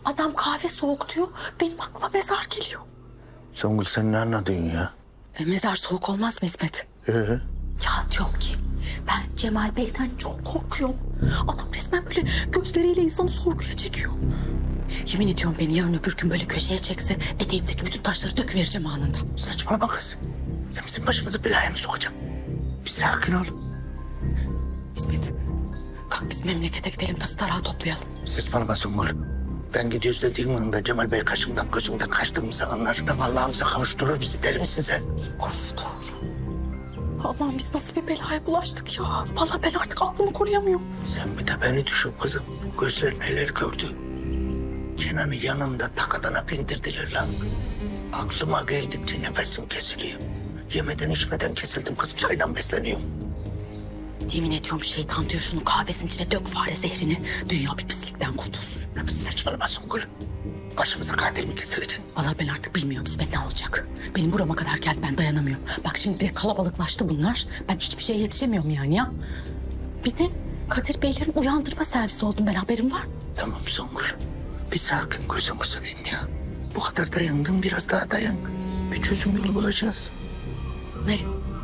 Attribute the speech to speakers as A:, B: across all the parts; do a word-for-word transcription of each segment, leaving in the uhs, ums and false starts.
A: Adam kahve soğuk diyor. Benim aklıma mezar geliyor.
B: Songül sen ne anladın ya?
A: E, mezar soğuk olmaz mı İsmet?
B: Ee?
A: Ya diyorum ki ben Cemal Bey'den çok korkuyorum. Adam resmen böyle gözleriyle insanı sorguya çekiyor. Yemin ediyorum beni yarın öbür gün böyle köşeye çekse eteğimdeki bütün taşları döküvereceğim anında.
B: Saçmalama kız. Sen bizim başımızı belaya mı sokacaksın? Bir sakin ol.
A: İsmet kalk biz memlekete gidelim tası tarağı toplayalım.
B: Saçmalama Songül. Ben gidiyoruz dediğim anda Cemal Bey kaşımdan gözümden kaçtığımızı anlar. Allah'ımıza kavuşturur bizi, deli misin sen?
A: Of doğru. Allah'ım biz nasıl bir belaya bulaştık ya. Vallahi ben artık aklımı koruyamıyorum.
B: Sen bir de beni düşün kızım. Gözler neler gördü. Kenan'ı yanımda takadanak indirdiler lan. Aklıma geldikçe nefesim kesiliyor. Yemeden içmeden kesildim kız, çayla besleniyorum.
A: Yemin ediyorum şeytan diyor şunu kahvesinin içine dök fare zehrini. Dünya bir pislikten kurtulsun.
B: Ya biz saçmalama Songül. Başımıza katil mi kesilecek?
A: Vallahi ben artık bilmiyorum İsmet ne olacak. Benim burama kadar geldi ben dayanamıyorum. Bak şimdi bir de kalabalıklaştı bunlar. Ben hiçbir şeye yetişemiyorum yani ya. Bir de Kadir Beylerin uyandırma servisi oldum ben haberim var.
B: Tamam Songül. Bir sakin, gözümü seveyim ya. Bu kadar dayandın, biraz daha dayan. Bir çözüm yolu bulacağız.
A: Ne?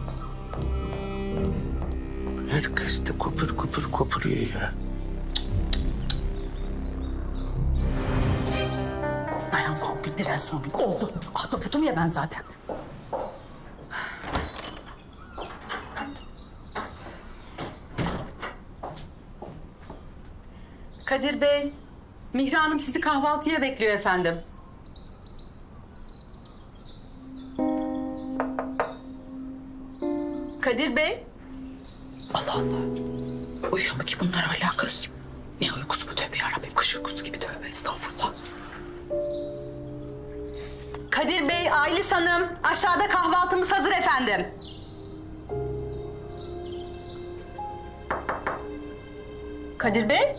B: Herkes de kopur kopur kopuruyor ya.
A: Dayan Songül, diren Songül. Oldu. Atlaputum ya ben zaten.
C: Kadir Bey, Mihri Hanım sizi kahvaltıya bekliyor efendim. Kadir Bey.
A: Allah Allah. Uyuyor mu ki bunlar hala kız? Ne uykusu bu tövbe yarabbim. Kış uykusu gibi tövbe estağfurullah.
C: Kadir Bey, Aylis Hanım. Aşağıda kahvaltımız hazır efendim. Kadir Bey.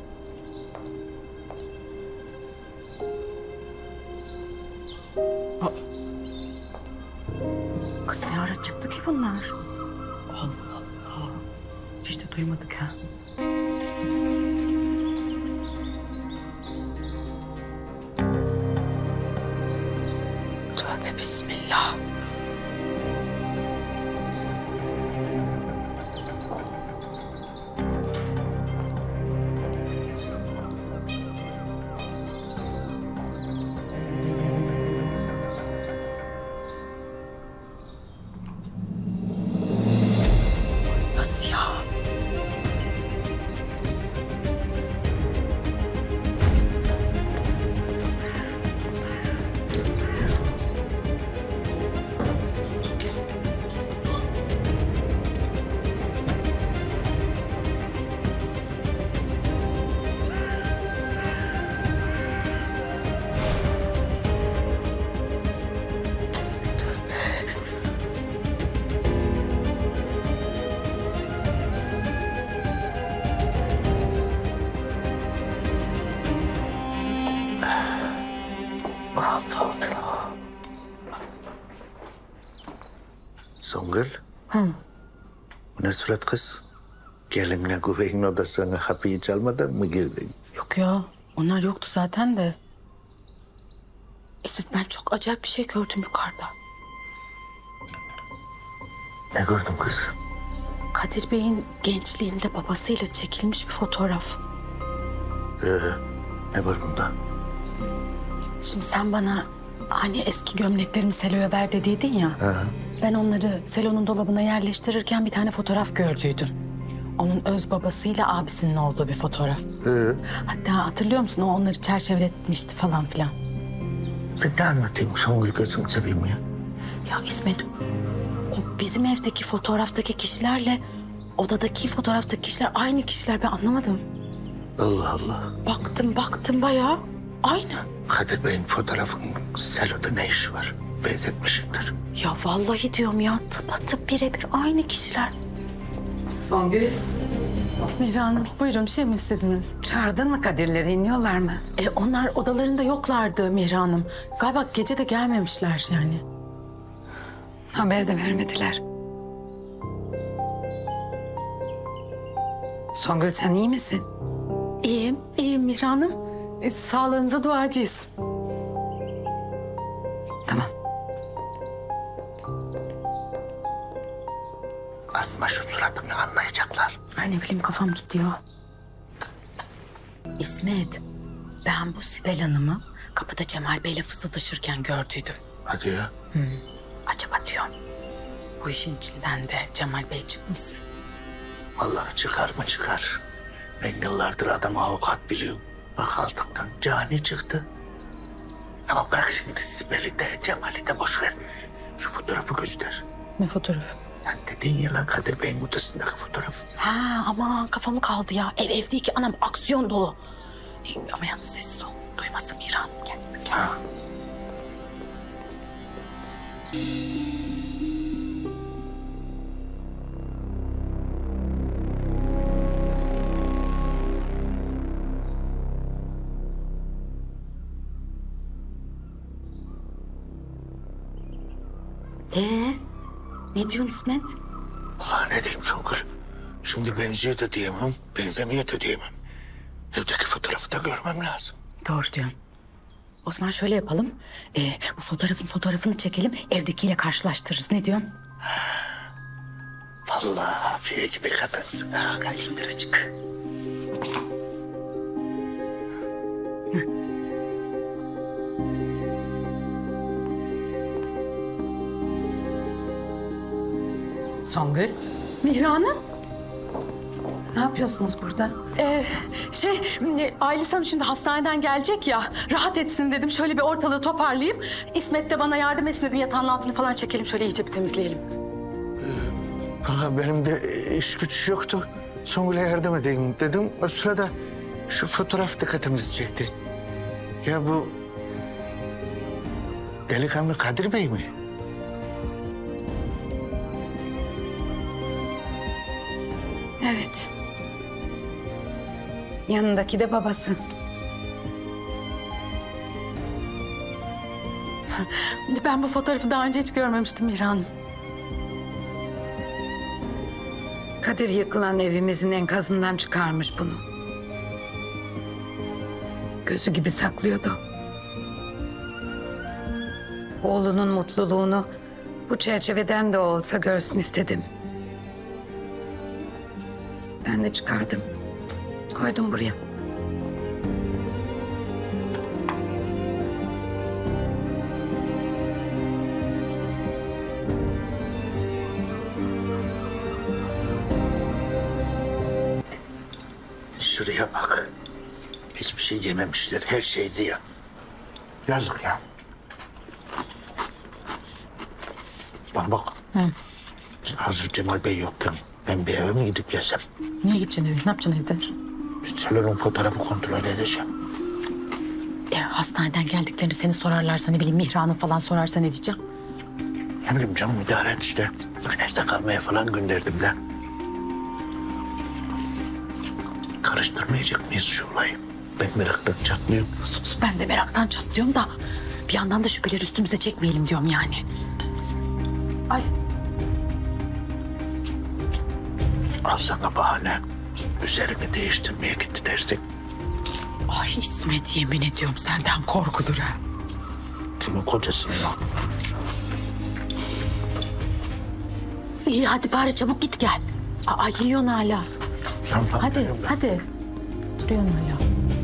A: Kız ne ara çıktı ki bunlar? Allah Allah. Hiç de duymadık ha. Tövbe bismillah. Nasıl ya? Allah Allah.
B: Songül.
A: Hı.
B: Bu ne surat kız? Gelinle güveyin odasına kapıyı çalmadan mı girdin?
A: Yok ya. Onlar yoktu zaten de. İsmet ben çok acayip bir şey gördüm yukarıda.
B: Ne gördün kız?
A: Kadir Bey'in gençliğinde babasıyla çekilmiş bir fotoğraf.
B: Ee, ne var bunda?
A: Şimdi sen bana hani eski gömleklerimi Selo'ya ver dediydin ya.
B: Ha.
A: Ben onları Selo'nun dolabına yerleştirirken bir tane fotoğraf gördüydüm. Onun öz babasıyla abisinin olduğu bir fotoğraf.
B: Ee,
A: Hatta hatırlıyor musun? O onları çerçeveletmişti falan filan.
B: sen ne anlatıyorsun Songül, gözünü seveyim ya?
A: Ya İsmet, o bizim evdeki fotoğraftaki kişilerle odadaki fotoğraftaki kişiler aynı kişiler. Ben anlamadım.
B: Allah Allah.
A: Baktım baktım bayağı aynı.
B: Kadir Bey'in fotoğrafının seloda ne işi var? Benzetmişimdir.
A: Ya vallahi diyorum ya tıpatıp birebir aynı kişiler.
C: Songül.
A: Mihri Hanım buyurun bir şey mi istediniz?
C: Çağırdın mı Kadirleri, iniyorlar mı?
A: E, onlar odalarında yoklardı Mihri Hanım. Galiba gece de gelmemişler yani.
C: Haber de vermediler. Songül sen iyi misin?
A: İyiyim, iyiyim Mihri Hanım. E, sağlığınıza duacıyız. Tamam.
B: Asma şu suratını anlayacaklar.
A: Ay ne bileyim kafam gidiyor. İsmet, ben bu Sibel Hanım'ı kapıda Cemal Bey'le fısıldaşırken gördüydüm.
B: Hadi ya.
A: Acaba diyorum, bu işin içinden de Cemal Bey çıkmasın.
B: Vallahi çıkar mı çıkar. Ben yıllardır adam avukat biliyorum. Bak altından cani çıktı. Ama bırak şimdi Sibel'i de Cemal'i de boş ver. Şu fotoğrafı göster.
A: Ne fotoğrafı?
B: Yani dedin ya lan Kadir Bey'in odasındaki fotoğraf.
A: Ha aman kafamı kaldı ya. Ev ev değil ki anam, aksiyon dolu. E, ama yalnız sessiz ol. Duymasın Mihra Hanım. Gel, gel.
B: Ha.
A: Ee, ne diyorsun İsmet?
B: Ulan ne diyeyim Songül? Şimdi benziyor da diyemem, benzemiyor da diyemem. Evdeki fotoğrafı da görmem lazım.
A: Doğru diyorsun. Osman şöyle yapalım. Ee, bu fotoğrafın fotoğrafını çekelim. Evdekiyle karşılaştırırız. Ne diyorsun?
B: Vallahi afiye gibi kadınsın ha.
A: Gel indir açık.
D: Songül,
A: Mihra Hanım.
D: ne yapıyorsunuz burada?
A: Ee, şey, Aylis Hanım şimdi hastaneden gelecek ya. Rahat etsin dedim. Şöyle bir ortalığı toparlayayım. İsmet de bana yardım etsin dedim. Yatağın altını falan çekelim. Şöyle iyice bir temizleyelim.
B: Vallahi benim de iş güç yoktu. Songül'e yardım edeyim dedim. O sırada şu fotoğraf dikkatimizi çekti. Ya bu delikanlı Kadir Bey mi?
D: Evet. Yanındaki de babası.
A: Ben bu fotoğrafı daha önce hiç görmemiştim Mihra Hanım.
D: Kadir yıkılan evimizin enkazından çıkarmış bunu. Gözü gibi saklıyordu. Oğlunun mutluluğunu bu çerçeveden de olsa görsün istedim. Ben de çıkardım. Koydum buraya.
B: Şuraya bak. Hiçbir şey yememişler. Her şey ziyan. Yazık ya. Bana bak. Hazır Cemal Bey yokken ben bir eve mi gidip gelsem?
A: Niye gideceksin eve? Ne yapacaksın evde?
B: Salonun fotoğrafı kontrol edeceğim.
A: E, hastaneden geldiklerini seni sorarlarsa, ne bileyim Mihra Hanım falan sorarsa ne diyeceğim?
B: Ne bileyim canım idare et işte. Güneşte kalmaya falan gönderdim de. Karıştırmayacak mıyız şu olayı? Ben meraktan çatlıyorum.
A: Sus, ben de meraktan çatlıyorum da bir yandan da şüpheleri üstümüze çekmeyelim diyorum yani. Ay.
B: Al sana bahane. Üzerini değiştirmeye gitti dersin.
A: Ay İsmet, yemin ediyorum senden korkulur ha.
B: Kimin kocasının o?
A: İyi hadi bari çabuk git gel. Aa yiyorsun hala.
B: Tamam,
A: Hadi
B: benim ben.
A: hadi. Duruyorsun hala.